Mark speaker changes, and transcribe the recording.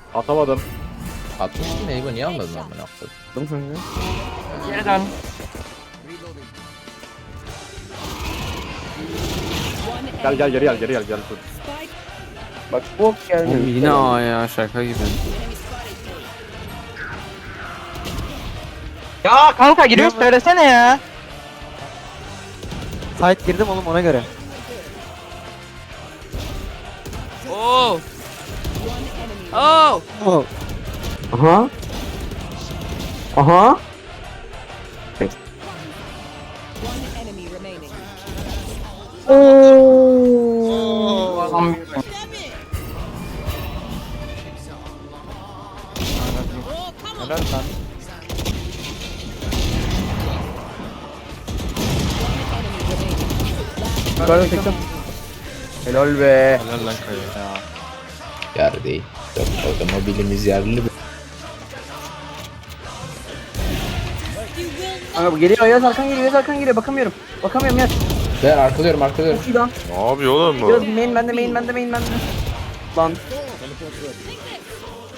Speaker 1: Atamadım.
Speaker 2: Atmıştın ya İbo, niye almadın amına koyayım?
Speaker 3: Geri dön.
Speaker 1: Gel gel geri gel geri gel gel.
Speaker 3: Bak bok gelmiyor.
Speaker 4: Oğlum yine A ya, şaka gibi.
Speaker 3: Ya kanka giriyor söylesene ya.
Speaker 5: Site girdim oğlum ona göre.
Speaker 4: Oh. Oh.
Speaker 5: Oh.
Speaker 3: Aha. Aha. Oo. Adam
Speaker 5: Helal lan.
Speaker 3: yukarıda çektim. Helal be.
Speaker 4: Helal lan Kaya ya.
Speaker 2: Yer değil. Otomobilimiz yerli.
Speaker 3: Kanka bu geliyor Yaz Arkan geliyor Yaz Arkan geliyor bakamıyorum. Bakamıyorum Yaz.
Speaker 2: Ben arkalıyorum arkalıyorum.
Speaker 3: Çok iyi lan.
Speaker 6: Ne yapıyor oğlum bu?
Speaker 3: Yaz main bende main bende main bende. Lan.